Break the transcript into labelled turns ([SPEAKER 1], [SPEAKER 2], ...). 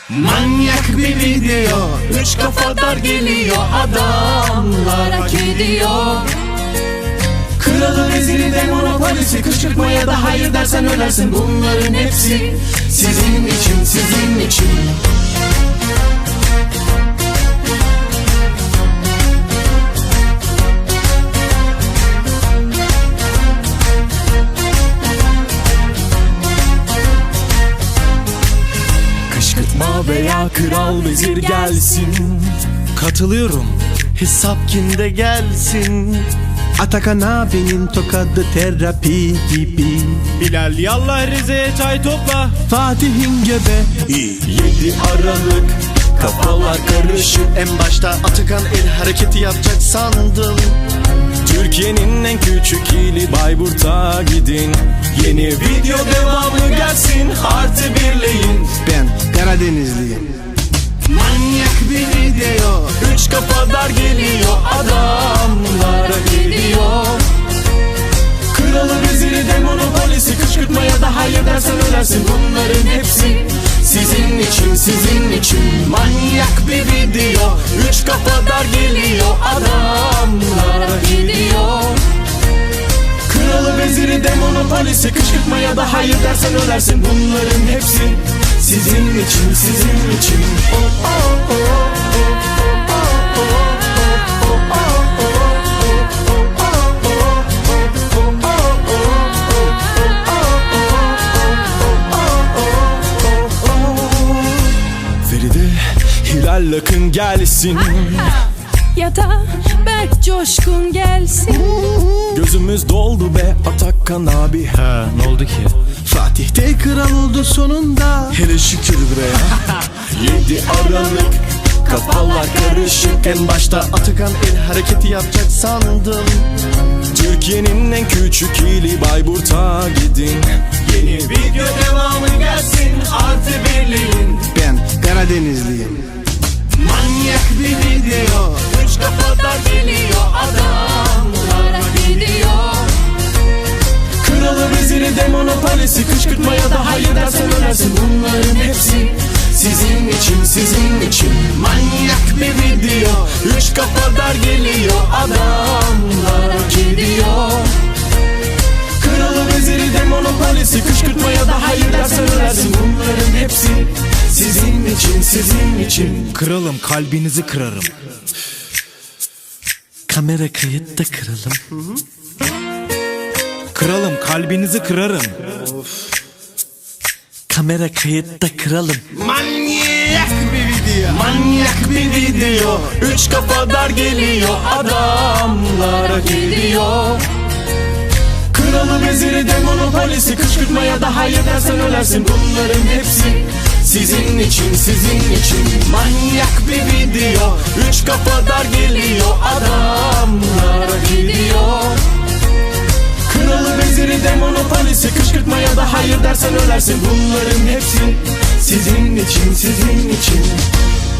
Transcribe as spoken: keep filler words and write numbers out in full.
[SPEAKER 1] Manyak bir video, üç kafadar geliyor, adamlar hak ediyor. Kralı, veziri de monopolisi, kışkırtmaya da hayır dersen ölersin. Bunların hepsi sizin için, sizin için. Kışkırtma veya kral vezir gelsin,
[SPEAKER 2] Katılıyorum.
[SPEAKER 3] hesap kimde gelsin.
[SPEAKER 4] Atakan abinin tokadı terapi gibi.
[SPEAKER 2] Bilal yallah Rize'ye çay topla.
[SPEAKER 4] Fatih'in göbe
[SPEAKER 3] Yedi Aralık, kafalar karışık. En başta Atakan el hareketi yapacak sandım.
[SPEAKER 2] Türkiye'nin en küçük ili Bayburt'a gidin. Yeni video devamı gelsin, artı birleyin.
[SPEAKER 4] Ben Karadenizliyim.
[SPEAKER 1] manyak bir video,
[SPEAKER 3] Üç kafadar geliyor,
[SPEAKER 1] adamlar hak ediyor. Kralı, veziri de monopolisi, kışkırtmaya da hayır dersen ölersin. Bunların hepsi sizin için, sizin için. Manyak bir video, üç kafadar geliyor, adamlar hak ediyor. Kralı, veziri de monopolisi, kışkırtmaya da hayır dersen ölersin. Bunların hepsi sizin için, sizin için. Oh, oh, oh, oh.
[SPEAKER 2] Feride, Hilal Akın gelsin.
[SPEAKER 5] Ya da Berk Coşkun gelsin.
[SPEAKER 2] Gözümüz doldu be Atakan abi.
[SPEAKER 3] Ha, ne oldu ki?
[SPEAKER 4] Fatih de kral oldu sonunda.
[SPEAKER 2] Hele şükür bre.
[SPEAKER 3] Yedi Aralık, kafalar karışık. En başta Atakan el hareketi yapacak sandım.
[SPEAKER 2] Türkiye'nin en küçük ili Bayburt'a gidin.
[SPEAKER 1] Yeni video devamı gelsin, artı birleyin.
[SPEAKER 4] Ben Karadenizliyim.
[SPEAKER 1] Manyak bir video, üç kafadar geliyor, adamlar hak ediyor. Kralı, veziri de monopolisi, kışkırtmaya da hayır dersen ölersin. Bunların hepsi sizin için, sizin için. Manyak bir video, üç kafadar geliyor, adamlar hak ediyor. Kralı, veziri de monopolisi, kışkırtmaya da hayır dersen ölersin. Bunların hepsi sizin için, sizin için.
[SPEAKER 2] Kralım, kalbinizi kırarım.
[SPEAKER 3] Kamera kayıtta kralım.
[SPEAKER 2] Kralım, kalbinizi kırarım.
[SPEAKER 3] Kamera kayıtta kralım.
[SPEAKER 1] Manyak bir video, manyak bir video, üç kafadar geliyor, adamlar hak ediyor. Kralı, veziri de monopolisi, kışkırtmaya da hayır dersen ölersin. Bunların hepsi sizin için, sizin için. Manyak bir video, üç kafadar geliyor, adamlar hak ediyor. Kralı, veziri de monopolisi, kışkırtmaya da hayır dersen ölersin. Bunların hepsi sizin için, sizin için.